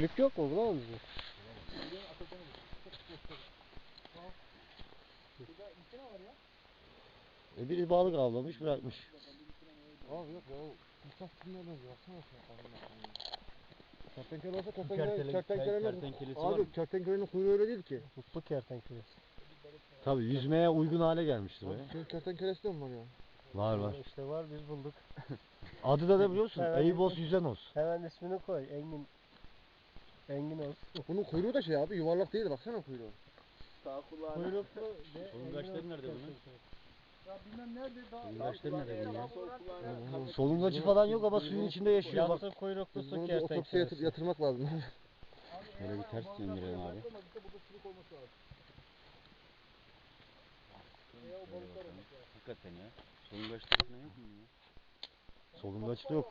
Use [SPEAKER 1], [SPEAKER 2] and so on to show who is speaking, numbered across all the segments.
[SPEAKER 1] Sülük yok mu? Bulamam bizim.
[SPEAKER 2] Biri balık avlamış bırakmış.
[SPEAKER 3] Abi yok ya. Uçak kimlerden baksana sen. Kertenkele olsa kertenkelenin abi kertenkelenin kuyruğu öyle değil ki.
[SPEAKER 1] Mutlu kertenkelesi.
[SPEAKER 2] Tabii yüzmeye uygun hale gelmiştir o ya.
[SPEAKER 3] Abi kertenkelesi de mi var ya?
[SPEAKER 2] Var var.
[SPEAKER 1] İşte var, biz bulduk.
[SPEAKER 2] Adı da ne biliyorsun?
[SPEAKER 1] Evet.
[SPEAKER 2] Eybos yüzenos.
[SPEAKER 1] Hemen ismini koy. Engin. Engin olsun.
[SPEAKER 3] Bunun kuyruğu da şey abi yuvarlak değil, baksana kuyruğu.
[SPEAKER 4] Sağ kulağına.
[SPEAKER 1] Kuyruklu.
[SPEAKER 4] Solungaçları nerede bunun?
[SPEAKER 3] Ya bilmem nerede daha.
[SPEAKER 4] Solungaçları nerede bunun ya? Sol kulağına.
[SPEAKER 2] Solungacı falan yok ama suyun içinde yaşıyor bak.
[SPEAKER 1] Yassı kuyruklu
[SPEAKER 3] Biz
[SPEAKER 1] su
[SPEAKER 3] bunu bir otopsiye
[SPEAKER 1] kertenkelesi.
[SPEAKER 3] yatırmak lazım.
[SPEAKER 4] Şöyle bir ters döndürelim abi. Hakikaten ya. Solungaçları falan yok mu ya?
[SPEAKER 2] Solungaç da yok.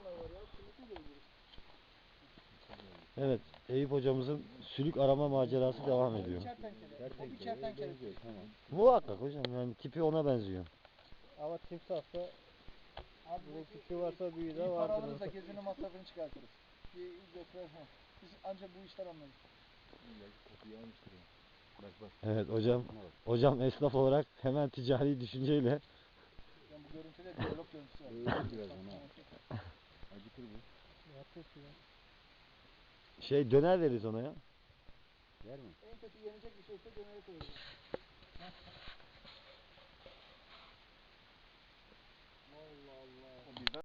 [SPEAKER 2] Evet, Eyüp hocamızın sülük arama macerası devam ediyor.
[SPEAKER 4] Kertenkele. Tamam.
[SPEAKER 2] Muhakkak hocam, yani tipi ona benziyor.
[SPEAKER 1] Ama timsahsa bunun küçüğü varsa büyüğü de vardır.
[SPEAKER 5] Paramızla gezinin masrafını çıkartırız. Bir götürür. Biz ancak bu işler anlarız.
[SPEAKER 2] Evet hocam esnaf olarak hemen ticari düşünceyle.
[SPEAKER 5] Yani bu görüntüde diyalog görüntüsü var.
[SPEAKER 4] Öyle biraz ona. Acıkır bu.
[SPEAKER 2] Şey döner veririz ona ya.
[SPEAKER 4] Yer mi?
[SPEAKER 5] En kötü yenecek bir şeyse döneri koyuyoruz.